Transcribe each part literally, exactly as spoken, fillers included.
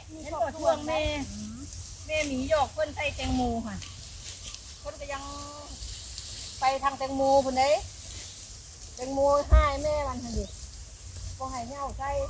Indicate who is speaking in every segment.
Speaker 1: มีช่วงแม่แม่หมีหยอกเพิ่นใส่แตงโมค่ะเพิ่นก็ยังไปทางแตงโมพุ่นเด้แตงโมให้แม่มันหั่นดิบ่ให้เหี่ยวใส่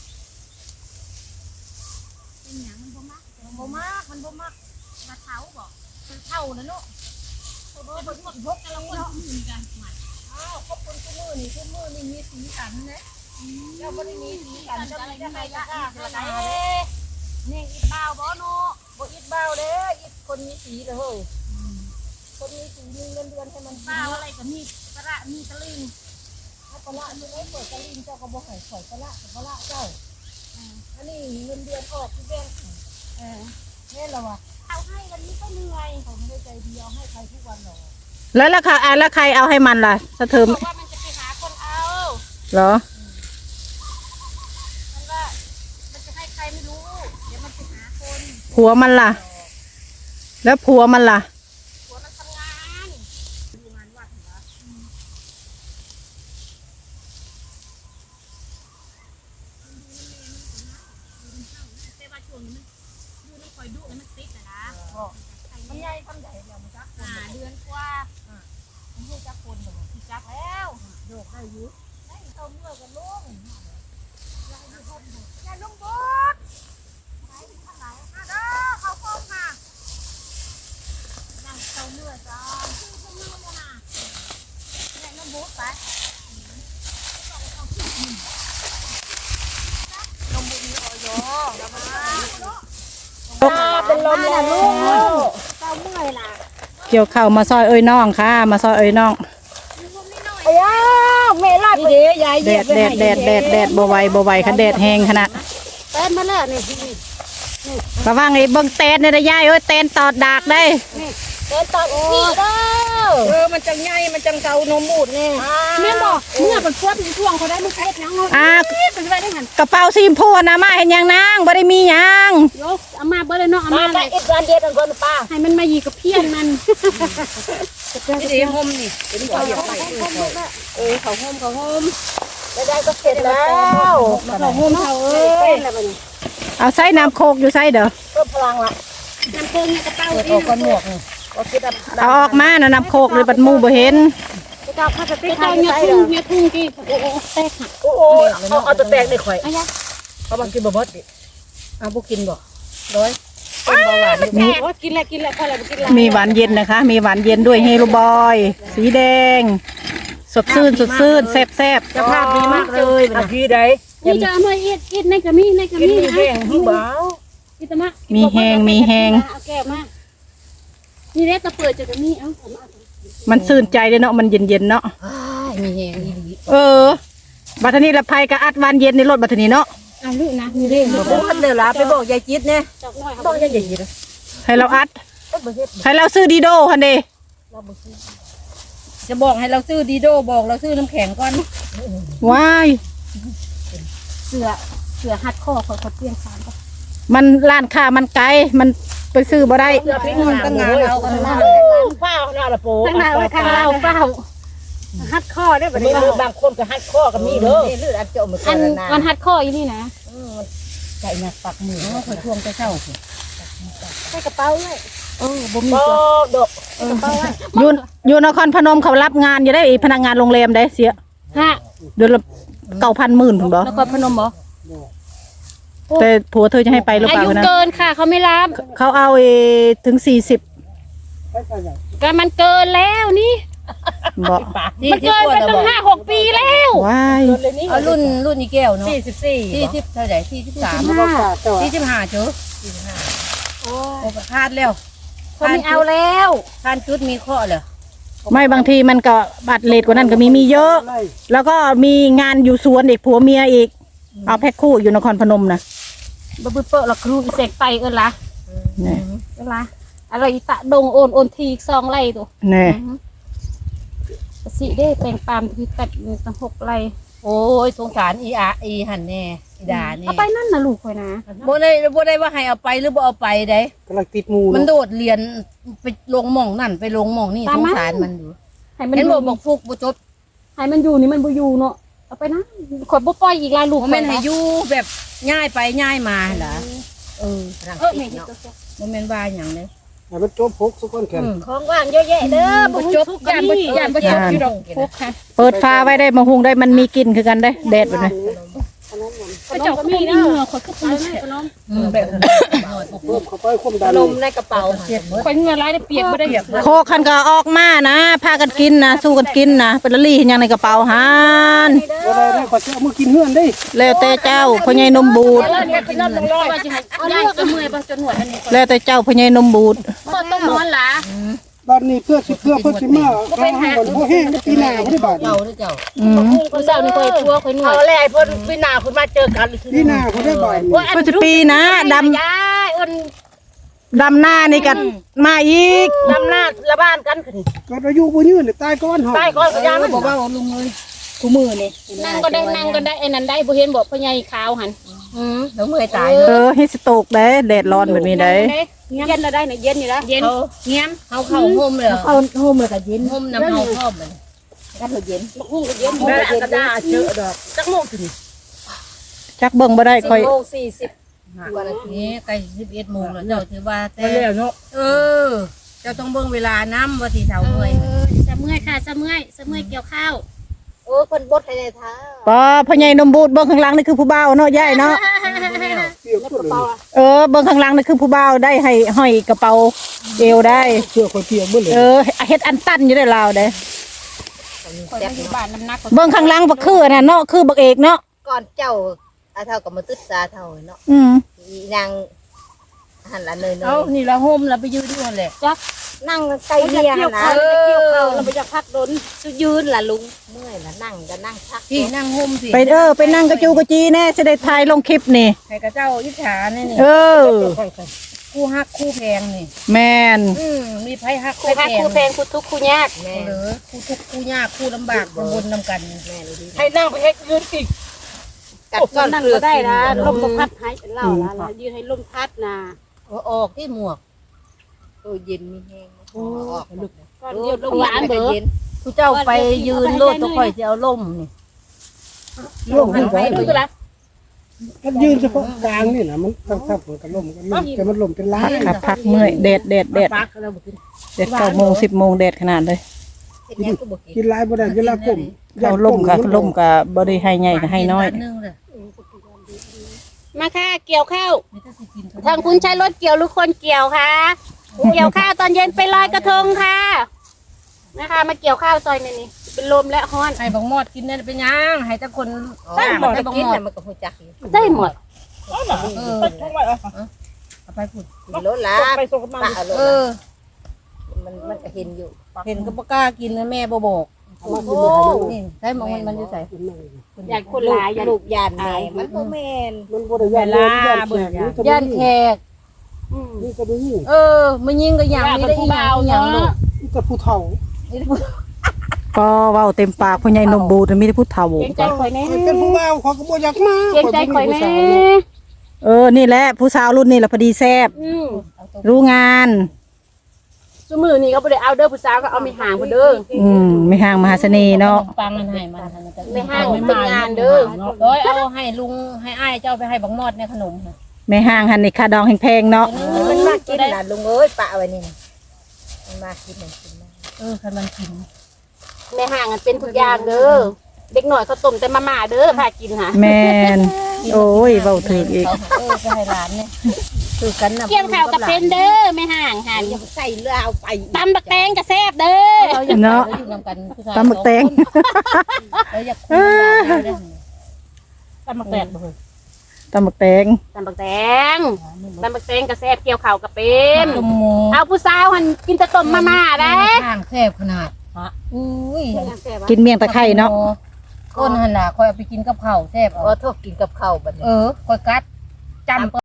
Speaker 1: เป็นหยังมันบ่มักมันบ่มักมันบ่มักมาเท้าบ่มันเท่านะเนาะเพิ่นบ่เพิ่นพกกันละคนอื่นกันมันอ้าวขอบคุณทุกมื้อนี่ทุกมื้อนี่มีสีสันนะเจ้าบ่ได้มีสีสันจะไม่ได้จะฆ่ากันละนี่อิดบ่าวบ่เนาะบ่อิดบ่าวเด้ออิดคนมีสีเลยเฮ้ยคนมีสีมีเงินเดือนให้มันบ่าวอะไรก็มีกระมีตะลิงถ้ากระละมันไม่เปิดตะลิงเจ้าก็บ่ให้ข่อยกระละกระละเจ้าอันนี้เงินเดือนออกที่แบงค์เออแม่ละวะเอาให้วันนี้ก็เหนื่อยเขาไม่ได้ใจดีเอาให้ใครทุกวันหรอก
Speaker 2: แล้วราคาอ่ะแล้วใครเอาให้มันล่ะสะเทิม
Speaker 1: บอกว่ามันจะไปหาคนเอา
Speaker 2: เหรอ
Speaker 1: มันว่ามันจะให้ใครไม่รู้เดี๋ยวมันไปหาคน
Speaker 2: ผัวมันล่ะแล้วผัวมันล่ะ
Speaker 1: ผัวมันทำงานดูงานวัดเหรอแต่ว่าช่วงนี้มันดูน้ำคอยดุแล้วมันติดอะนะมันใหญ่ทำใหญ่เดี๋ยวมันจักอ่าเดือนกว่ามันให้จักคนแบบที่จักแล้วโดดได้ยุ่ได้เข้าเมื่อกันลุงยายลุงยายลุงบุ๊กไหนทางไหนอ่ะเด้อเข้าห้องค่ะนั่งเข้าเมื่อจ้าชื่อชื่อเมื่อเลยนะยายลุงบุ๊กไปลงบุญออยแล้วมาเป็นลมนะลูกเจ้าเมื่อยล่ะ
Speaker 2: เกี่ยวข้าวมาซอยเอ้ยน้องค่ะมาซอยเอ้ยน้อง
Speaker 1: ไอ้ย่าแม่ลาดไปยาย
Speaker 2: แดดแดดแดดแดดแดดบ่ไหวบ่ไหวค่ะแดดแห้งขนาด
Speaker 1: เต้นมาแล้วนี่
Speaker 2: ระวังไอ้เบิ่งเตนเนี่ยนะยายเอ้ยเตนตอดดากได้
Speaker 1: เต้นตอดอีกเด้อเออมันจังไงมันจังเกานมบูดเนี่ย
Speaker 3: แม่บอกเมื่อเป็นพวดเป็นช่วงเขาได้ลูกเล็กยัง
Speaker 2: อ่ากระเป๋าซีมพูนะมาเห็นยังนางบ่ได้มียัง
Speaker 3: ยกเอามาเบอร์เลยเนาะเอามา
Speaker 1: เลยอีกการเดียดอันก่อนป้า
Speaker 3: ให้มันมาหยีกับเพี้ยนมัน
Speaker 1: นี่ดีห่มนี่เป็นหัวเหยียบไปเออเขาห่มเขาห่มไม่ได้ก็เสร็จแล้ว
Speaker 3: เขาห่มเขาเอ้ย
Speaker 2: เอาใส่น้ำโคกอยู่ใส่เด้อ
Speaker 1: เพิ่มพลังละ
Speaker 3: น้ำโคกเนี่ยกระเป๋า
Speaker 1: ที่เอาก้อนหมวก
Speaker 2: เอาออกมานะน้ำโคกเลยบัดมูบ่เห็น
Speaker 1: เจ้าข้าจะเตะ
Speaker 3: เจ้าเนี่ยทุ่งเนี่ยทุ่งกี่โอ้โหแตกหัก
Speaker 1: โอ้โหเอาเอาตัวแตกได้ข่อยเอาบางกินบ่บดดิเอาบุกินบ่ร้อยกินเบาหวาน
Speaker 3: มีกินแล้วกินแล้วพอแล้วกินแล้ว
Speaker 2: มีหวานเย็นนะคะมีหวานเย็นด้วยเฮโรบอยสีแดงสดชื่นสดชื่นแซ่บแซ่บ
Speaker 1: จะภาพดีมากเลยนะพี่ใด
Speaker 3: นี่จะเอามาเอ็ดเอ็ดในกระมี่ในกระมี่นะ
Speaker 1: แห้งหิ้งเบา
Speaker 3: พี่ตะมะ
Speaker 2: มีแห้งมีแห้ง
Speaker 3: เอาแก้วมานี่เด็กตะเปิดจะกระมี่เอา
Speaker 2: มันซื่นใจเลยเนาะมันเย็นเย็นเนาะ
Speaker 1: มีแห้ง
Speaker 2: เออบัตรนี้ละไพกับอัดหวานเย็นในรถบัตรนี้เนาะ
Speaker 3: อ่ะลูกนะมีเรื่อง
Speaker 1: บอกว่าเดี๋ยวลาไปบอกยายจิตเนี่ยบอกยายจิต
Speaker 2: ให้เราอัดให้เราซื้อดีโดคันเด
Speaker 1: จะบอกให้เราซื้อดีโดบอกเราซื้อน้ำแข็งก่อน
Speaker 2: ว้าย
Speaker 3: เสือเสือหัดข้อเขาเขาเปลี่ยนสารก็
Speaker 2: มันร้านค้ามันไกลมันไปซื้อบ่ได้
Speaker 1: เสือพริกมันตั้งงานเอากันมาเป้าหน้าละโป้
Speaker 3: ตั้งนานข้างเราเป้าหัดข้อได้แบบ
Speaker 1: นี้บางคนก็หัดข้อกับมีเด้อนี่เลือดอัดเจาะมือกัน
Speaker 3: นะมันหัดข้ออยู่นี่นะ
Speaker 1: ใจหนักปักมือเขาคอยทวงจะเช่าสิ
Speaker 3: ใส่กระเป๋าเลย
Speaker 1: เออบ่มีดอก
Speaker 3: กระเป๋าเลย
Speaker 2: อยู่อยู่นครพนมเขารับงานอยู่ได้พนักงานโรงแรมได้เสีย
Speaker 3: ฮะ
Speaker 2: เดือนละเก้าพันหมื่นถูกบ่
Speaker 3: นครพนมบ่
Speaker 2: แต่ผัวเธอจะให้ไปหรือเปล่า
Speaker 3: นะอายุเกินค่ะเขาไม่รับ
Speaker 2: เขาเอาเอถึงสี่สิบ
Speaker 3: ก็มันเกินแล้วนี่
Speaker 2: บอก
Speaker 3: มันเกินไปตั้งห้าหกปีแล้ว
Speaker 2: ว้าย
Speaker 1: เอารุ่นรุ่นอีแก้วเนาะสี่สิบสี่สี่สิบเท่าไหร่สี่สิบสามสี่สิบห้าเจ้าสี่สิบห้าโอ้พลาดแล้ว
Speaker 3: เขาไม่เอาแล้ว
Speaker 1: ทานชุดมีข้อเลย
Speaker 2: ไม่บางทีมันก็บัตรเลทกว่านั้นก็มีมีเยอะแล้วก็มีงานอยู่สวนเด็กผัวเมียอีกเอาแพ็คคู่อยู่นครพนมนะ
Speaker 3: บะบึเปอร์ละครูเสกไปเออละเนี่ยเออละอะไรตะดงโอนโอนทีซองไล่ตัว
Speaker 2: เนี่ย
Speaker 3: สิได้แต่งปามที่ตัดตั้งหกไร่
Speaker 1: โอ้ยสงสารอีอาอีหันแน่อีดาเนี่ย
Speaker 3: เอาไปนั่นนะลูกคอยนะ
Speaker 1: บ่ได้บ่ได้ว่าให้เอาไปหรือบ่เอาไปได้
Speaker 2: กำลังติดมู
Speaker 1: มันโดดเรียนไปลงหม่องนั่นไปลงหม่องนี่สงสารมันดู
Speaker 3: ให้
Speaker 1: มันบ่บอกฟุกบ่จบ
Speaker 3: ให้มันอยู่นี่มันบ่อยู่เนาะเอาไปนะขอยบ่ปล่อยอีกลายลูก
Speaker 1: มันให้อยู่แบบง่ายไปง่ายมาเหรอเอ
Speaker 3: เออ
Speaker 1: รัง
Speaker 3: เออ
Speaker 1: สิ
Speaker 3: แม่
Speaker 1: ต
Speaker 3: เฮ็ด
Speaker 1: เนาะ
Speaker 3: ตัวเสียบ่แม่นว่าหยังเลย
Speaker 4: ให้มันจบพกสักคนแค่น
Speaker 1: ของว่างเยอะแยะเด้อ
Speaker 3: บ่
Speaker 1: บ่
Speaker 3: จ
Speaker 1: จ
Speaker 3: บบ ยานบ่ยานบ่จบอยู่ดอกพกค่ะ
Speaker 2: เปิดฟ้าไว้ได้มาหุงได้มันมีกลิ่นคือกันได้แดดแบบนี้
Speaker 3: พระเจ้าก็มีเหงื่อข่อยก็ปูแม่ขนม
Speaker 1: อืมแบบ
Speaker 4: เพิ่มเข้าไปความดัน
Speaker 1: นมในกระเป๋าเสียบ
Speaker 3: ข่อยเหงื่อหลายได้เปียกบ่ได้
Speaker 2: โคกคันก็ออกมานะพากันกินนะสู้กันกินนะเป็นละลี่เห็นยังในกระเป๋าหาน
Speaker 4: บ่ได้ได้ขอสิเอามือกินเฮือนได้
Speaker 2: แล้วแต่เจ้าพ่อใหญ่นมบูด
Speaker 3: เออเนี่ยเป็นน้ำลงร้อยว่าจะให้ยายก็เมื่อยบ่จนหนวดอันนี้
Speaker 2: แล้วแต่เจ้าพ่อใหญ่นมบูด
Speaker 3: บ่ต้องนอนหล่ะ
Speaker 4: บ้านนี้เพื่อสิเพื่อเพื่อสิมาเอาให้บ่บ่แห้งได้ปีหน้าบ่ได้บาดนี้
Speaker 1: เจ้าหรือเจ้า
Speaker 2: อืม
Speaker 3: มื้อเช้านี่ข่อยทั่วข่อยหนว
Speaker 1: เอา
Speaker 3: ด
Speaker 1: แหละเพิ่นพี่นาคุณมาเจอกัน
Speaker 4: ปีหน้าบ่ได้บาดนี้
Speaker 2: เพื่อจะปีนะด
Speaker 3: ยายอ้น
Speaker 2: ำดำหน้านี่กันมาอีก
Speaker 1: ดำหน้าละบ้านกันคือนี่
Speaker 4: ก็อายุบ่ยืนนี่ตายก่อนเฮา
Speaker 1: ใต้ก้อนก็ยามัน
Speaker 3: บอกว่าลุงเลยกูมือนี่นั่งก็ได้นั่งก็ได้ไอ้นั่นได้บ่เห็นบอกพ่อใหญ่ขาวหัน
Speaker 1: อืมเดี๋ยวเมื่อยตาย
Speaker 2: เออฮิสโตกได้แดดร้อนแบบนี้ได้
Speaker 3: เย็นแล้วได้เนี่ยเย็นอยู่แล้วเย็นเงี้ยม
Speaker 1: เฮาเข้าห่มเลย
Speaker 3: เอาโฮมเลยก็เย็น
Speaker 1: ห่มน้ำเฮาพร้อมเลยกันเถอะเย็น
Speaker 3: ฮู้ก็เย็น
Speaker 1: แม่กระดาษเจอดอกจักโมงถึง
Speaker 2: จักเบิ่งบ่ได้ค่อย
Speaker 1: โมงสี่สิบกว่านาทีใกล้สิบเอ็ดโมงแล้วเจ้าถือว่าแต่
Speaker 4: แล้วเนาะ
Speaker 1: เออเจ้าต้องเบิ่งเวลาน้ำว่าสิเท่าเมื่อย
Speaker 3: สะเมื่อยค่ะสะเมื่อยสะเมื่อยเกี่ยวข้าว
Speaker 1: โอ้เพิ่นบดให้ในเท้า
Speaker 2: ปอพ่อใหญ่นมบูดเบิ่งข้างหลังนี่คือผู้บ่าวเนาะยายเนาะ
Speaker 4: เปียกตัวเลย
Speaker 2: เออเบิ่งข้างหลังนี่คือผู้บ่าวได้ให้ห้อยกระเป๋าเอวได้
Speaker 4: เสื้อข่อยเปียกเบิดเลย
Speaker 2: เออเฮ็ดอันตันอยู่ได้ลาวเด้
Speaker 3: คอยมาอยู่บ้านน้ำหนัก
Speaker 2: เบิ่งข้างหลังบ่คือน่ะเนาะคือบักเอกเนาะ
Speaker 1: ก่อนเจ้าอาเท่ากับมาตึดซาเท่าเนาะ
Speaker 2: อืม
Speaker 1: อีนางหันละเนยเน
Speaker 3: เอา
Speaker 1: ย
Speaker 3: นี่ละโฮมละไปยืนอยู่นั่นแหละจัก
Speaker 1: นั่งใกล้
Speaker 3: ไป
Speaker 1: เมีย
Speaker 3: เกี่ยว
Speaker 1: นะ
Speaker 3: ข้าวไปเกี่ยวข้าวเราไปจะพักโดน
Speaker 1: ยืนล่ะลุงเมื่อยล่ะนั่งก็นั่งพัก
Speaker 3: พี่นั่งโฮมสิ
Speaker 2: ไปเออไปนั่งกระจูกระจีแน่สิได้ถ่ายลงคลิปนี่
Speaker 3: ให้กับเจ้าอิจฉานี่นี่
Speaker 2: เออ
Speaker 3: คู่ฮักคู่แพงนี่
Speaker 2: แม่น
Speaker 3: อืมมีไผฮักคู่ฮักคู่แพงคู่ทุกข์คู่ยาก
Speaker 1: แม่
Speaker 3: หรือคู่ทุกข์คู่ยากคู่ลำบากบนนำกัน
Speaker 1: แม่เลยดี
Speaker 3: ให้นั่งไปให้ยืนอีก
Speaker 1: กัดก้อน
Speaker 5: นั่ง
Speaker 1: เกลือ
Speaker 5: ก็ได้นะ
Speaker 1: กิ
Speaker 5: ลมก็พัดให้เป็นเหล่าละละยืนให้ลมพัดนะ
Speaker 1: เอาออกที่หมวกตัวเย็นมีแห้งเอาออก
Speaker 5: ก่อนเดียวลมหลานเบอ
Speaker 1: เย็นผู้เจ้าไปยืนโลดตัวข่อยจะเอาล่มนี่
Speaker 4: ร่มขึ้นไป
Speaker 3: ดูละ
Speaker 4: มันยืนเฉพาะกลางนี่น่ะมันทับๆมันก็ล่มกันมันแต่มันล่มเป็นลา
Speaker 2: พั
Speaker 4: ย
Speaker 2: กครับพักเมื่อยแดดแดดแดด
Speaker 3: ปักแล้วบ่กิน
Speaker 2: แดดเก้าโมงสิบโมงแดดขนาดเลย
Speaker 1: เห็นยังก็บอกกิ
Speaker 4: กิ
Speaker 1: น
Speaker 4: นหลายบ่ได้เวลาก้ม
Speaker 2: เราล่มกับล่มกับบ่ได้ให้ใหญ่กับให้น้อย
Speaker 1: นึงเลย
Speaker 5: มาค่ะเกี่ยวข้าว
Speaker 1: นี่ถ้าสิกิน
Speaker 5: ทางคุณใช้รถเกี่ยวหรือคนเกี่ยวคะเกี่ยวข้าวตอนเย็นไปลอยกระทงค่ะนะคะมาเกี่ยวข้าวซอยนี่นี่เป็นลมและฮ้อน
Speaker 3: ให้บังมอดกินนั่นเป็นยังให้แต่คน
Speaker 1: ใช่หมดจะกินแต่มันก็หูจักอยู่
Speaker 5: ได้หมด
Speaker 3: เออเอาไปพูด
Speaker 1: กินรถละปะเอารถ
Speaker 3: เออ
Speaker 1: มันมันก็เห็นอยู่
Speaker 3: เห็นก็บ่กล้ากินนะแม่บ่บอก
Speaker 4: เอามากินให้ลูก
Speaker 3: นี่ใช่มองมันมันอยู่ใส่
Speaker 4: กินนั่ง
Speaker 5: อยากคนหลายอยาก
Speaker 1: ลูกยานแม่มันบ่แม่น
Speaker 4: มันบ่ได้ย่านเลยย่านแขกนี่ก็
Speaker 3: ย่านแขก
Speaker 5: อืม
Speaker 4: นี่ก็บ่มี
Speaker 3: เออมันยิงก็อย่างนี้ได้อีหยังอีหยังลูก
Speaker 4: นี่แต่ผู้เฒ่า
Speaker 2: ก็เว้าเต็มปากพ่อใหญ่นมบูดมีแต่ผู้เฒ่า
Speaker 5: เกรงใจข่อยแน่
Speaker 4: เป็นผู้บ่าวเขาก็บ่อยากมา
Speaker 5: เกรงใจข่อยแน่
Speaker 2: เออนี่แหละผู้สาวรุ่นนี้ล่ะพอดีแซ่บ
Speaker 5: อืม
Speaker 2: รู้งาน
Speaker 5: ซุมือนี่ก็บ่ได้เอาเด้อผู้สาวก็เอาไม่ห่างบ่เด้อ
Speaker 2: อืมไม่ห่างมหาเสน่ห์เนาะ
Speaker 3: ปังมันให้มัน
Speaker 5: ไม่ห่างเป็นงานเด้อ
Speaker 3: เอ้ยเอาให้ลุงให้อ้ายเจ้าไปให้บังมอดในขนม
Speaker 2: ไม่ห่างหันนี่ค่าดองแพงๆเนาะ
Speaker 1: มันมากินน่ะลุงเอ้ยปะไว้นี่มันมากินมันกินมา
Speaker 3: เออคันมันกิน
Speaker 5: ไม่ห่างกันเป็นทุกอย่างเด้อเด็กหน่อยเขาต้มแต่มาม่าเด้อพากินหา
Speaker 2: แม่นโอ้ยเว้าถึกอีก
Speaker 3: เออไปให้หลานเนี่ย
Speaker 1: คือกันน่ะ
Speaker 5: เกี่ยวข้าวกับเป็นเด้อไม่ห่างหัน
Speaker 1: ใส่เรือเอาไป
Speaker 5: ตำบักแตงก็แซ่บเด้อ
Speaker 3: เราอยากเราอยู่นำกันผู้ชาย
Speaker 2: ตำบักแตง
Speaker 3: เราอยากคุยกันได้ตำบักแตงบ่เฮ้ย
Speaker 2: ตำบักแตง
Speaker 5: ตำบักแตงตำบักแตงก็แซ่บเกี่ยวข้าวกับเป็น
Speaker 3: ต้มหมู
Speaker 5: เอาผู้สาวหันกินแต่ต้มมาม่าได้
Speaker 3: ข้างแซ่บขนาดอุ้ย
Speaker 2: กินเมี่ยงตะไคร้เนาะ
Speaker 3: ก้นหันน่ะคอยเอาไปกินกับข้าวแซ่บ
Speaker 1: ก็โทษกินกับข้าวบัดนี้
Speaker 3: เออคอยกัดจำ